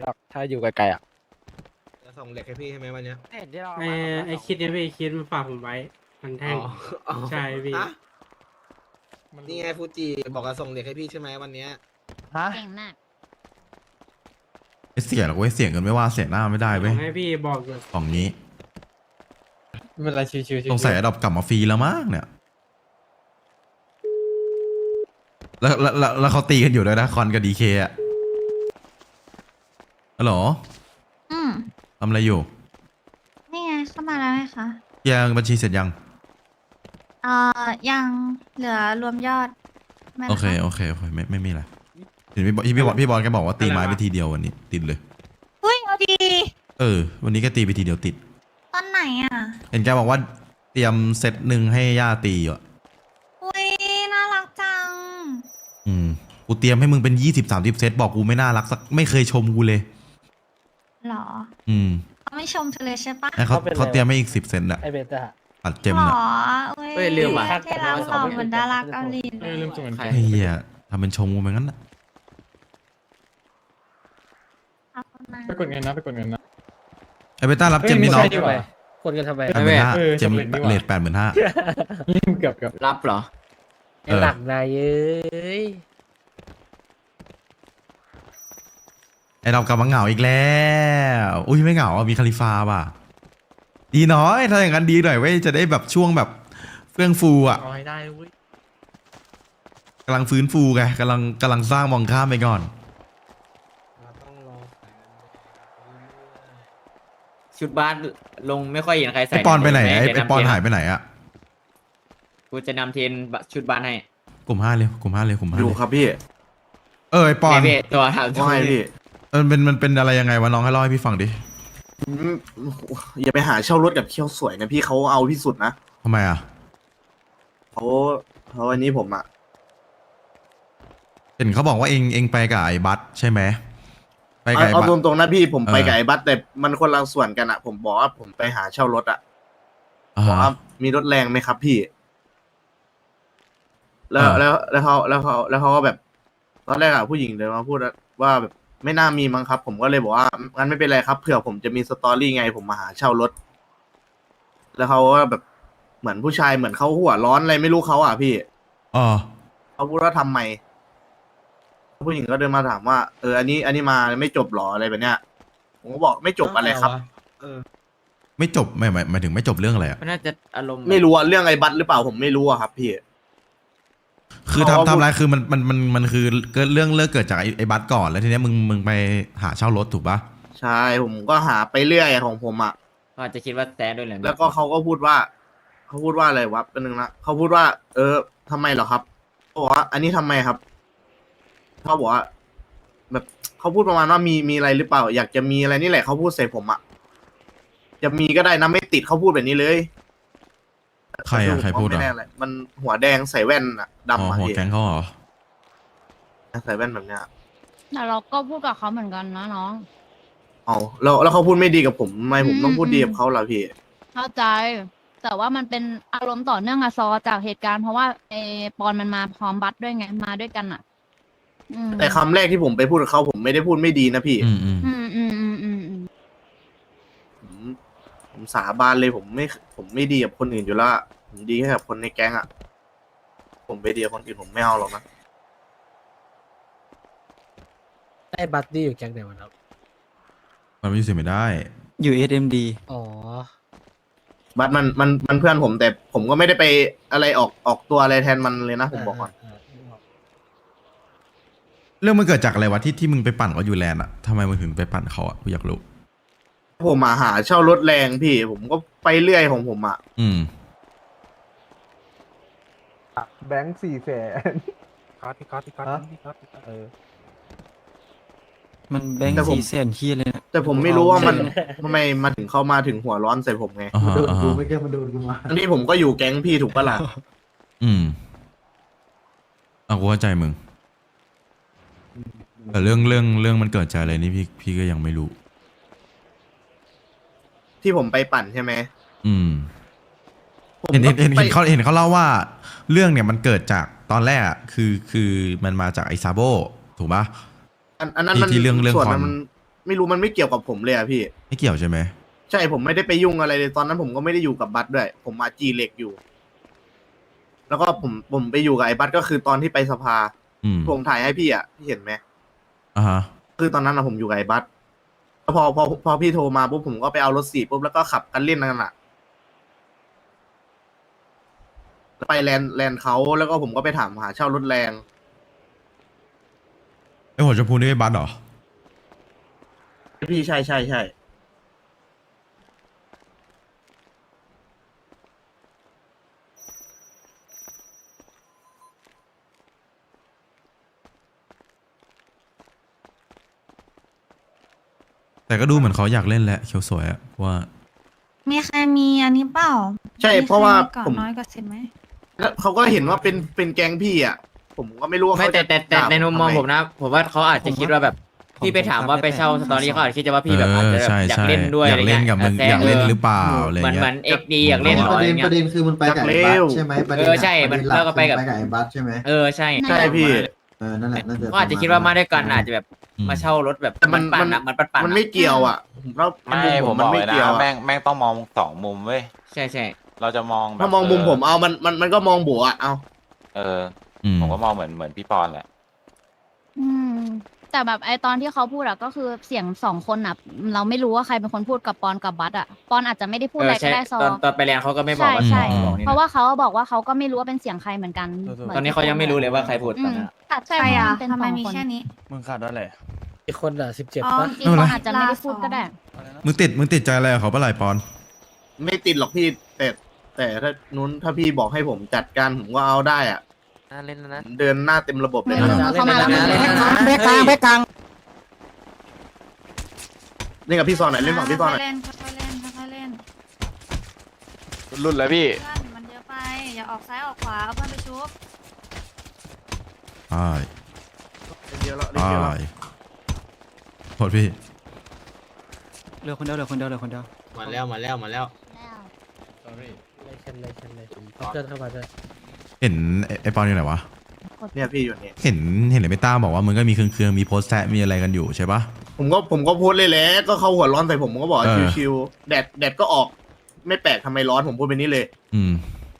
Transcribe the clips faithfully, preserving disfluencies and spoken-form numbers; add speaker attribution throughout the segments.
Speaker 1: หรอกถ้าอยู่ไกลๆอ่ะ
Speaker 2: จะส่งเหล็กให้พี่ใช่ไหมวันเนี้ย
Speaker 1: เห็นที่เรา
Speaker 3: ไอ้ไอ้คิดเนี่ยพี่คิดมันฝากผมไว้ มันแท่ง
Speaker 2: อ๋ออ๋อ
Speaker 3: ใช่พี่
Speaker 2: ฮะนี่ไงฟูจิบอกจะส่งเหล็กให้พี่ใช่ไหมวันเนี้ย
Speaker 1: ฮะ
Speaker 4: เก่งมาก
Speaker 5: ไอ้เสียหรอกเว้ยเสียงกันไม่ว่าเสียหน้าไม่ได้
Speaker 3: ผ
Speaker 5: เว้ย
Speaker 3: มให้พี่บอกอยู่
Speaker 5: ของนี้
Speaker 1: ไม่เป็นไรชิวๆชิวๆ
Speaker 5: สงสัยอดอบกลับมาฟรีแล้วมั้งเนี่ยแล้วแล้วแล้วแล้วเขาตีกันอยู่ด้วยนะคอนกับดีเคอะฮัลโหล
Speaker 4: อืม
Speaker 5: ทำอะไรอยู่
Speaker 4: นี่ไงเข้ามาแล้วไงคะ
Speaker 5: เคลียร์บัญชีเสร็จยัง
Speaker 4: เอ่อ ยังเหลือรวมยอดไม่
Speaker 5: โอเค
Speaker 4: นะะ
Speaker 5: โอเคโอเคไม่ไม่มีอะไรเห็นพี่บอลพี่บอลพี่บอลแกบอกว่าตีไม้ไปทีเดียววันนี้ ติดเลย
Speaker 4: อุ้ยเอาดี
Speaker 5: เออ วันนี้ก็ตีไปทีเดียวติด
Speaker 4: ตอนไหนอ่ะ
Speaker 5: เห็นแกบอกว่าเตรียมเซตหนึ่งให้ย่าตีอยู่อะ
Speaker 4: อุ้ยน่ารักจัง
Speaker 5: อืมกูเตรียมให้มึงเป็นยี่สิบสามสิบเซตบอกกูไม่น่ารักสักไม่เคยชมกูเลย
Speaker 4: หรอ
Speaker 5: อืม
Speaker 4: เขาไม่ชมเธอเลยใช่ปะ
Speaker 5: ให้เขาเขาเตรียมให้อีกสิบเซนต์อะ
Speaker 1: ไอเบต้า
Speaker 5: ปัดเจม
Speaker 4: หร
Speaker 5: น่ะ
Speaker 4: ออุ้ย
Speaker 1: เฮ้ยลืมว่ะ
Speaker 4: ที่รักเราเหมือนดาราเกาหลีเล
Speaker 1: เออย ลืมส่งเงิน
Speaker 5: ไอ้เหี้ยทำเป็นชมกูไปงั้นน่ะ
Speaker 4: ขอบคุณมาก
Speaker 6: ไปกดเงินนะไปกดเงินนะ
Speaker 5: ไอ้เบต้ารับเจมนี่น้อง
Speaker 1: ดีกว่าคนกันทำไม
Speaker 5: แปดหมื่นห้า
Speaker 6: เออ
Speaker 5: เจม
Speaker 6: สำเร็จดีกว่า
Speaker 5: เลทแปดหมื่นห้า
Speaker 6: เกือบเกือบ
Speaker 1: รับเหรอ
Speaker 5: เออ
Speaker 1: หลักนายเอ้ย
Speaker 5: ไอ้เรากลับมาเหงาอีกแล้วอุ้ยไม่เหงาอ่ะมีคาลิฟาป่ะดีน้อยถ้าอย่างนั้นดีหน่อยเว้ยจะได้แบบช่วงแบบเฟื่องฟูอ่ะ
Speaker 1: เอาให้ได้เว้ย
Speaker 5: กำลังฟื้นฟูไงกำลังกำลังสร้างมองข้ามไปก่อน
Speaker 2: เราต้องรอแสน
Speaker 7: ชุดบ้านลงไม่ค่อยเห็นใครใส่
Speaker 5: ไอปอนไปไหนไอ้
Speaker 7: เดี๋ว
Speaker 5: ไอปอน
Speaker 7: ำเทร
Speaker 5: หายไปไหนอ่ะ
Speaker 7: กูจะนำเทรนชุดบ้านให้
Speaker 5: กลุ่มห้าเลยกลุ่มห้าเลยกลุ่มห้า
Speaker 8: อยู่
Speaker 5: เลย
Speaker 8: ครับพี่
Speaker 5: เออไอปอน
Speaker 7: เบ้ตัวถาม
Speaker 8: ว่าไงพี่
Speaker 5: เออเป็นมันเป็นอะไรยังไงวะน้องให้เล่าให้พี่ฟังดิ
Speaker 8: อืมอย่าไปหาเช่ารถกับเคี้ยวสวยนะพี่เขาเอาที่สุดนะ
Speaker 5: ทำไมอ่ะ
Speaker 8: เขาเขาอันนี้ผมอ่ะ
Speaker 5: เห็นเขาบอกว่าเองเองไปกับไอ้บัสใช่ไหมไปกับ
Speaker 8: เอา
Speaker 5: ไอ้
Speaker 8: เอา
Speaker 5: บัส
Speaker 8: ตรงๆนะพี่ผมไป
Speaker 5: เออ
Speaker 8: กับไอ้บัสแต่มันคนละส่วนกันอ่ะ ผมบอกว่าผมไปหาเช่ารถอ่ะ
Speaker 5: อ่า
Speaker 8: บอก
Speaker 5: ฮะ
Speaker 8: ว่ามีรถแรงไหมครับพี่ แล้ว
Speaker 5: เออ
Speaker 8: แล้วแล้วเขาแล้วเขาแล้วเขาก็แบบตอนแรกอ่ะผู้หญิงเดินมาพูดว่าแบบไม่น่ามีมั้งครับ ผมก็เลยบอกว่างั้นไม่เป็นไรครับเผื่อผมจะมีสตอรี่ไงผมมาหาเช่ารถ แล้วเขาก็แบบเหมือนผู้ชายเหมือนเขาหัวร้อนอะไรไม่รู้เขาอ่ะพี่
Speaker 5: อ๋อ
Speaker 8: เขาพูดว่าทำไม ผู้หญิงก็เดินมาถามว่าเอออันนี้อันนี้มาไม่จบหรออะไรแบบเนี้ยผมก็บอกไม่จบอะไรครับ
Speaker 5: ไม่จบไม่หมายหมายถึงไม่จบเรื่องอะไรอ่ะ
Speaker 7: มันน่าจะอารมณ์
Speaker 8: ไม่รู้อะเรื่องไอ้บัตรหรือเปล่าผมไม่รู้อะครับพี่
Speaker 5: คือ
Speaker 8: เขา
Speaker 5: ทำ
Speaker 8: ว่า
Speaker 5: ทำอะไรคือมันมันมันมันคือเกิดเรื่องเลิกเกิดจากไอ้ไอ้บัสก่อนแล้วทีเนี้ยมึงมึงไปหาเช่ารถถูกปะ
Speaker 8: ใช่ผมก็หาไปเรื่อยของผมอะ
Speaker 7: เขาอาจจะคิดว่าแซดด้วยแหละ
Speaker 8: แล้วก็เขาก็พูดว่าเขาพูดว่าอะไรวะเป็นหนึ่งนะเขาพูดว่า เออทำไมเหรอครับเขาบอกว่า อันนี้ทำไมครับเขาบอกว่า แบบเขาพูดประมาณว่ามีมีอะไรหรือเปล่า อยากจะมีอะไรนี่แหละเขาพูดใส่ผมอะจะมีก็ได้นะไม่ติดเขาพูดแบบนี้เลย
Speaker 5: ใครอ่ะใครพูด
Speaker 8: ไม่
Speaker 5: อ่ะ
Speaker 8: แน่เลยมันหัวแดงใส่แว่นอะ
Speaker 5: อ๋อ
Speaker 8: ดำอะ
Speaker 5: หัว
Speaker 8: พี่
Speaker 5: แก๊งเขาเหรอ
Speaker 8: ใส่แว่นแบบเนี้ย
Speaker 4: แต่เราก็พูดกับเขาเหมือนกันนะน้อง
Speaker 8: เอาแล้วแล้วเขาพูดไม่ดีกับผมทำไมผมต้องพูด
Speaker 4: อืม
Speaker 8: ดีกับเขาล่ะพี่
Speaker 4: เข้าใจ แต่ว่ามันเป็นอารมณ์ต่อเนื่องอะซอจากเหตุการณ์เพราะว่าไอปอนมันมาพร้อมบัตด้วยไงมาด้วยกันอะอืม
Speaker 8: แต่คำแรกที่ผมไปพูดกับเขาผมไม่ได้พูดไม่ดีนะพี่
Speaker 5: อืมอืม
Speaker 4: อืมอืมอืมอืมอืม
Speaker 8: ผมผมสาบานเลยผมไม่ผมไม่ดีกับคนอื่นอยู่แล้วอะผมดีแค่กับคนในแก๊งอะผมไปดีกับคนอื่นผมไม่เอาหรอกนะ
Speaker 1: ไอ้บัตตี้อยู่แก๊งไหนวะครับ
Speaker 5: มันไม่เสียไม่ได้
Speaker 7: อยู่ เอส เอ็ม ดี
Speaker 1: อ๋อ
Speaker 8: บัตมันมันมันเพื่อนผมแต่ผมก็ไม่ได้ไปอะไรออกออกตัวอะไรแทนมันเลยนะผมบอกก่อน
Speaker 5: เรื่องมันเกิดจากอะไรวะที่ที่มึงไปปั่นเขาอยู่แลนด์อ่ะทำไมมึงถึงไปปั่นเขาอ่ะกูอยากรู้
Speaker 8: ผมมาหาเช่ารถแรงพี่ ผมก็ไปเรื่อยของผมอะ
Speaker 5: อืม
Speaker 9: แบงค์สี่แสน
Speaker 1: ก๊อตพี่ก๊อตพี่ก๊อตพี่ก๊อตพี่ก๊อต
Speaker 9: เออ
Speaker 7: มันแบงค์สี่แสนขี้เลยนะ
Speaker 8: แต่ผมไม่รู้ว่ามันทำไมมาถึงเข้ามาถึงหัวร้อนใส่ผมไง
Speaker 5: อ่าฮะ
Speaker 9: โดน
Speaker 5: อ่า
Speaker 9: กู
Speaker 5: ฮะ
Speaker 9: ไม่แก้มาโดนกูมา
Speaker 8: ทั้งที่ผมก็อยู่แก๊งพี่ถูกปะล่ะ
Speaker 5: อืมอ่ะกูเข้าใจมึงแต่เรื่องเรื่องเรื่องมันเกิดจากอะไรนี่พี่พี่ก็ยังไม่รู้
Speaker 8: ที่ผมไปปั่นใช่ไหม
Speaker 5: อืม
Speaker 8: ผม
Speaker 5: เห็นเห็นเห็น
Speaker 8: ไป
Speaker 5: เห็นเขาเห็นเขาเล่าว่าเรื่องเนี่ยมันเกิดจากตอนแรกอะคือคือมันมาจากไอซาโบถูกปะ
Speaker 8: อันอันนั้นมัน
Speaker 5: ที่ที่เรื่องเรื่อง
Speaker 8: ส่วน
Speaker 5: คอน
Speaker 8: นั้นมันไม่รู้มันไม่เกี่ยวกับผมเลยอะพี่
Speaker 5: ไม่เกี่ยวใช่ไหม
Speaker 8: ใช่ผมไม่ได้ไปยุ่งอะไรเลยตอนนั้นผมก็ไม่ได้อยู่กับบัตด้วย ผมมาจีเหล็กอยู่ แล้วก็ผมผมไปอยู่กับไอ้บัตก็คือตอนที่ไปสภา
Speaker 5: อืม
Speaker 8: ผมถ่ายให้พี่อ่ะพี่เห็นไหม
Speaker 5: อ่าฮะ
Speaker 8: คือตอนนั้นอะผมอยู่กับไอ้บัตแล้วพอพอพอพี่โทรมาปุ๊บผมก็ไปเอารถสี่ปุ๊บแล้วก็ขับกันเล่นกันอ่ะไปแลนด์แลนด์เขาแล้วก็ผมก็ไปถามหาเช่ารถแรง
Speaker 5: ไอหัวชมพูนี่ไอ้บัสเหรอ
Speaker 8: พี่ใช่ใช่ใช่
Speaker 5: แต่ก็ดูเหมือนเขาอยากเล่นแหละเขียวสวยอะว่า
Speaker 10: มีใครมีอันนี้เปล่า
Speaker 8: ใช่เพราะว่า
Speaker 10: ก่อน
Speaker 8: ผม
Speaker 10: น้อยกว่าสิบไหม
Speaker 8: แล้วเขาก็เห็นว่าเป็นเป็นแก๊งพี่อ่ะ ผมก็ไม่รู้ว่า
Speaker 11: ไม่
Speaker 8: เขา
Speaker 11: แต่
Speaker 8: จะ
Speaker 11: แต่แต่
Speaker 8: ด่า
Speaker 11: ในมุมมอง
Speaker 8: ทำไ
Speaker 11: ผมนะ ผมว่าเขาอาจจะคิดว่าแบบ
Speaker 7: ผม
Speaker 11: พี่ไปถามว่าไปเช่าสตอรี่เขาอาจจะคิดจะว่าพี่แบบ
Speaker 5: เอ
Speaker 11: อาจ
Speaker 5: อ
Speaker 11: จะแบบ
Speaker 5: ใช่
Speaker 11: อยาก
Speaker 5: ใช่
Speaker 11: เล่นด้วย
Speaker 5: อยากเล่นกับมึง
Speaker 11: แซะ
Speaker 5: อยากเล่นหรือเปล่าอะไร
Speaker 11: เหมือน
Speaker 5: เงี้
Speaker 11: เหมือย นเอ็กดีอยากเล่นเหรอ
Speaker 9: ประ
Speaker 11: อะไร
Speaker 9: เด็น
Speaker 11: เงี้
Speaker 9: ประ
Speaker 11: ย
Speaker 9: เด็นคือมันไปกับไอ้บัสใช่ไหมประเด็น
Speaker 11: เออใช่
Speaker 9: ประเด็นห
Speaker 11: แล้วก็ไปกับ
Speaker 9: คือไอ้บัสใช่ไหม
Speaker 11: เออใช่
Speaker 8: ใช่พี่
Speaker 9: เออนั่นแหละน่าจะ
Speaker 11: ก็อาจจะคิดว่ามาด้วยกันอาจจะแบบ
Speaker 5: อืม
Speaker 11: มาเช่ารถแบบ
Speaker 8: แต่มัน
Speaker 11: ปั่
Speaker 8: มัน น
Speaker 11: ๆอะมันปั่นๆ
Speaker 8: มัน
Speaker 11: อะ
Speaker 8: ไม่เกี่ยวอ่ะผมว่า
Speaker 12: ไม่
Speaker 8: มุ
Speaker 12: ผม
Speaker 8: มั
Speaker 12: บอก
Speaker 8: ไม่
Speaker 12: เลยนะ
Speaker 8: เกี่ยวอะ
Speaker 12: แม่งแม่งต้องมองสองมุมเว้ย
Speaker 11: ใช่ใช่
Speaker 12: เราจะมองแบบ
Speaker 8: ถ้ามองมุมผมเอามันมันมันก็มองบวกอ่ะเอา
Speaker 12: เออ
Speaker 5: อืม
Speaker 12: ผมก็มองเหมือนเหมือนพี่ปอนแหละ
Speaker 4: อืม แต่แบบไอตอนที่เขาพูดอะก็คือเสียงสองคนอะเราไม่รู้ว่าใครเป็นคนพูดกับปอนกับบัสอะปอนอาจจะไม่ได้พูด
Speaker 11: เอ
Speaker 4: อะไร
Speaker 11: อ
Speaker 4: ก็
Speaker 11: ใช่
Speaker 4: ได้ซอ
Speaker 11: ตอนตอนไปเรียนเขาก็ไม่บอก
Speaker 4: ใช่
Speaker 11: ว่า
Speaker 4: ใช่
Speaker 11: เขาบอกนี่
Speaker 4: เพราะ
Speaker 11: นะ
Speaker 4: ว่าเขาบอกว่าเขาก็ไม่รู้ว่าเป็นเสียงใครเหมือนกันเหมื
Speaker 11: ตอนนี้เขายังไม่รู้เลยว่าใครพูด
Speaker 4: อื
Speaker 11: ตอน
Speaker 4: ม
Speaker 11: นั้น
Speaker 10: ตัด
Speaker 4: ใช่
Speaker 10: ใครอ่ะ
Speaker 4: เพราะมันเป็น
Speaker 10: ทำไม
Speaker 4: สอง
Speaker 10: มี
Speaker 4: คน
Speaker 10: แค่นี้
Speaker 7: มึงขาดอะไร
Speaker 1: อีกคนอ่ะสิบเจ็ด
Speaker 10: อ๋อ
Speaker 1: ปะ
Speaker 4: อีกคนอาจจะไม่ได้พูดก็ได้
Speaker 5: มึงติดมึงติดใจอะไรกับเขาปะไหลปอน
Speaker 8: ไม่ติดหรอกพี่แต่แต่ถ้านู้นถ้าพี่บอกให้ผมจัดการผมก็เอาได้อ่ะ
Speaker 11: น่าเล่นนะ
Speaker 8: เดินหน้าเต็มระบบเลย
Speaker 4: อื
Speaker 8: นะ
Speaker 4: ม เข้ามาแล้ว
Speaker 1: เล่น
Speaker 4: เข้ามา
Speaker 1: แบ็คกลางแบ็คกลาง
Speaker 8: เล่นกับพี่ซอนหน่อยเล่นฝั่งพี่ซอนหน่อย
Speaker 10: ค่อยๆเล่นค่อยๆเล่นค่อยๆเล่น
Speaker 12: รุ่นแล้วพี่
Speaker 10: เพื่อนมันเยอะไป อย่าออกซ้ายออกขวาเอาเพื่อนไปชุบ
Speaker 5: ใช่
Speaker 8: เล่นเดียวแล้วเล่น
Speaker 5: ใช่
Speaker 8: เดียวแล้ว
Speaker 5: โทษพี่
Speaker 7: เหลือคนเดียวเหลือคนเดียวเหลือคนเดียว
Speaker 2: มาแล้วมาแล้วมาแล้ว
Speaker 1: เลยเช่นเลยเช่นเลยเอาเพื่อนเข้ามาด้วย
Speaker 5: เห็นไอ้ไอปอนอยู่ไหนวะ
Speaker 8: เนี่ยพี่อยู่นี่
Speaker 5: เห็นเห็นเลยไม่ต้าบอกว่ามึงก็มีเครื่องๆมีโพสต์แซะมีอะไรกันอยู่ใช่ปะ
Speaker 8: ผมก็ผมก็โพสต์เลยแหละก็เขาหัวร้อนใส่ผมผมก็บอก
Speaker 5: เออ
Speaker 8: ชิวๆแดดแดดก็ออก ไม่แปลกทำไมร้อนผมพูดไปนี้เลย
Speaker 5: อืม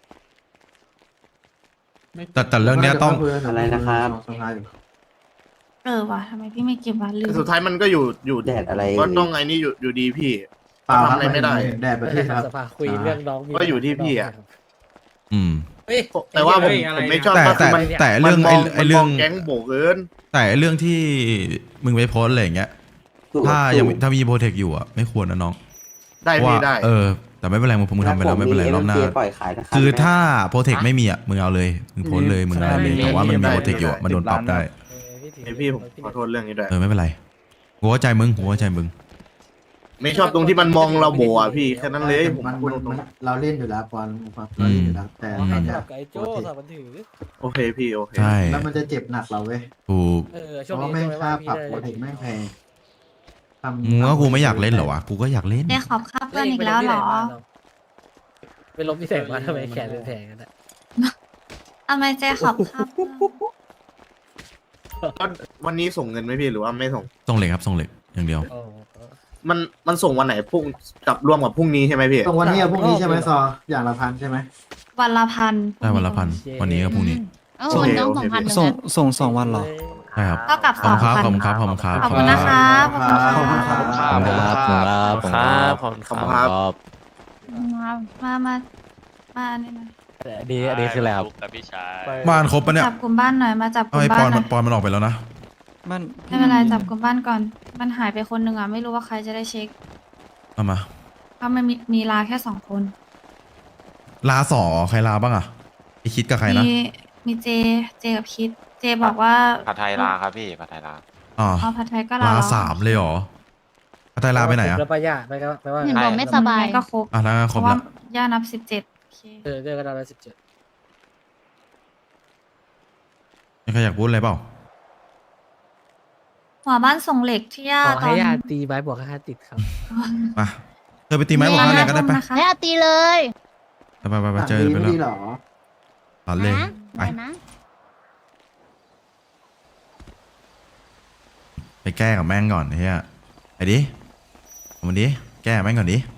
Speaker 5: แต่แต่เรื่องเนี้ยต้อง
Speaker 9: อะไรนะครับสภาอยู่
Speaker 10: เออว่ะทำไมพี่ไม่เก็บวะลืม
Speaker 8: สุดท้ายมันก็อยู่อยู่
Speaker 9: แดดอะไร
Speaker 8: ก็ต้องไอ้นี่อยู่อยู่ดีพี่
Speaker 9: เปล่า
Speaker 8: ทำอะไรไม่ได้
Speaker 9: แดดประเทศครับ
Speaker 1: สภาคุยเรื่องน้องมี
Speaker 8: ก็อยู่ที่พี่อะ
Speaker 5: อืม
Speaker 1: เฮ้ย
Speaker 8: แต่ว่าผม
Speaker 11: เฮ้ยอะไร
Speaker 8: ผมไม่
Speaker 11: นะ
Speaker 8: ชอบ
Speaker 5: แต่
Speaker 8: ก็คื
Speaker 5: แต่
Speaker 8: อมัน
Speaker 5: แต่เรื่อง
Speaker 8: มันม
Speaker 5: ไอ้
Speaker 8: อง
Speaker 5: ไอ้เรื่อง
Speaker 8: มันมแก๊งโบกเกิน
Speaker 5: แต่เรื่องที่มึงไปโพสต์อะไรอย่างเงี้ย ถ้ายังถ้ามีโปรเทคอยู่อ่ะไม่ควรนะน้อง
Speaker 8: ได้
Speaker 5: เพราะ
Speaker 8: พี่
Speaker 5: ว่า
Speaker 8: ได้
Speaker 5: เออ แต่ไม่เป็นไรมึงมึงทำไปแล้วไม่เป็นไรรอบหน้า คือถ้าโปรเทคไม่มีอ่ะมึงเอาเลยมึงโพสต์เลยมึงอะไรเลยแต่ว่ามันมีโปรเทคอยู่อะมันโดนปรับได้
Speaker 8: ไอพี่ผมขอโทษเรื่องนี้ด้วย
Speaker 5: เออไม่เป็นไรกูเข้าใจมึงกูเข้าใจมึง
Speaker 8: ไม่ชอบตรงที่มันมองเราโบอ่ะพี่แค่นั้นเลยผม
Speaker 9: มัน
Speaker 8: พูด
Speaker 9: มัน
Speaker 8: ตร
Speaker 9: มั
Speaker 8: ง
Speaker 9: นเราเล่นอยู่แล้วปอนเราเล่นอยู่แล้วแต่
Speaker 1: อ๋อ
Speaker 9: ต
Speaker 1: ให้
Speaker 9: อนเนี้
Speaker 1: จั
Speaker 9: ย
Speaker 1: บกับไอ้โจ้สาบันถือ
Speaker 8: ๆโอเคพี่โอเค
Speaker 5: ใช่
Speaker 9: แล้วมันจะเจ็บหนักเราเว้ย
Speaker 5: ถูก
Speaker 1: เออ
Speaker 9: เพ
Speaker 1: ช่วง
Speaker 9: ราะ
Speaker 1: นี้
Speaker 9: ว่าแม่งค่าปรับ
Speaker 1: พี่
Speaker 9: โปร
Speaker 1: ได้
Speaker 9: เทคแม่งแพงทำ
Speaker 5: มึงว่ากูไม่อยากเล่นเหรอวะกูก็อยากเล่น
Speaker 10: เจ๊ขอบค่าเพื่อนอีกแล้วเหรอ
Speaker 1: ไปลบที่แสงมาทำไมแขนเป็นแผลกันอะ
Speaker 10: ทำไมเจ๊ขอบค่าเพื่อน
Speaker 8: ก็วันนี้ส่งเงินไหมพี่หรือว่าไม่ส่ง
Speaker 5: ส่งเหล็กครับส่งเหล็กอย่างเดียว
Speaker 1: โอ้
Speaker 8: มันมันส่งวันไหนพรุ่งกับร่วมกับพรุ่งนี้ใช่ไหมพี่
Speaker 9: ตรงวันนี้กับพรุ่งนี้ใช่ไหมซอ อย่างละพันใช่ไหม
Speaker 10: วันละพัน
Speaker 5: ได้วันละพันวันนี้กับพรุ่งนี้
Speaker 4: เออวันต้องสองพันหนึ่ง
Speaker 7: ส่ง
Speaker 4: นะ
Speaker 7: ส่งสองวันเหรอ
Speaker 5: ใช่ครับ
Speaker 10: เท่ากับ
Speaker 5: ข
Speaker 10: ส
Speaker 5: อ
Speaker 10: อบ ง
Speaker 5: คุณครับ
Speaker 10: พัน
Speaker 5: ขอบคุณครับขอบคุณครับ
Speaker 10: ขอบคุณนะครับขอบคุณ
Speaker 9: ขอบคุณค
Speaker 10: ค
Speaker 9: รั
Speaker 10: รับ บ
Speaker 12: ครับครับผมครับ
Speaker 8: ขอบคุณครับ
Speaker 10: มามามาอันนี้หน่อย
Speaker 1: ดีดีคือแล้ว
Speaker 12: กับพี่ชาย
Speaker 5: บ้านครบปะเนี่ย
Speaker 10: จับกลุ่มบ้านหน่อยมาจับก
Speaker 5: เอา
Speaker 10: ลุ่ม
Speaker 5: ไอ้ป
Speaker 10: บ้า
Speaker 5: อน น
Speaker 10: หน่
Speaker 5: มั
Speaker 10: อน ย
Speaker 5: ปอนมันออกไปแล้วนะ
Speaker 7: มัน
Speaker 10: ไม่เป็นไรจับกลุ่มบ้านก่อน มันหายไปคนหนึ่งอ่ะไม่รู้ว่าใครจะได้เช็ค
Speaker 5: เอามา
Speaker 10: เพราะมันมีมีลาแค่สองคน
Speaker 5: ลาสอใครลาบ้างอะไอคิดกับใครนะ
Speaker 10: มีมีเจเจกับคิด เจบอกว่า
Speaker 12: ผัดไทยลาครับพี่ผัดไทยลา
Speaker 5: อ๋อ
Speaker 10: เอาผัดไทยก็ลา
Speaker 5: ลาสามเลยเหรออาไตลาไปไหนอะ
Speaker 1: แล้วป้าย่าไปก็ไปว่า
Speaker 4: เห็นบอกไม่สบาย
Speaker 10: ก็ครบ
Speaker 5: อ่ะแล้วค
Speaker 10: เพ
Speaker 5: รบ
Speaker 10: ราะว่า
Speaker 5: แล้ว
Speaker 10: ย่านับสิบเจ็ดโอเค
Speaker 1: เออเจอกันตอนสิบเจ็ด
Speaker 5: มีใครอยากพูดอะไรเปล่า
Speaker 10: หัวบ้านส่งเหล็กที่ย่า
Speaker 1: ขอ
Speaker 10: ตอ
Speaker 1: ให้
Speaker 10: น
Speaker 1: ยาตีไม้บวกค่าติดครับ
Speaker 5: มาเธอไปตีไม้บอกอะไรก็ได้ไป
Speaker 10: นะคะ
Speaker 4: ให้อาตีเลย
Speaker 5: ไปไปไปไปเจอ
Speaker 9: ดี
Speaker 5: ไป
Speaker 9: ไม่
Speaker 5: แล้ว
Speaker 9: ดีเหรอ
Speaker 5: ตัดเลย
Speaker 4: นะ
Speaker 5: ไป
Speaker 4: ไปนะ
Speaker 5: ไปแก้กับแม่งก่อนเฮียไอ้ดิเอามันดิแก้แม่งก่อนดิ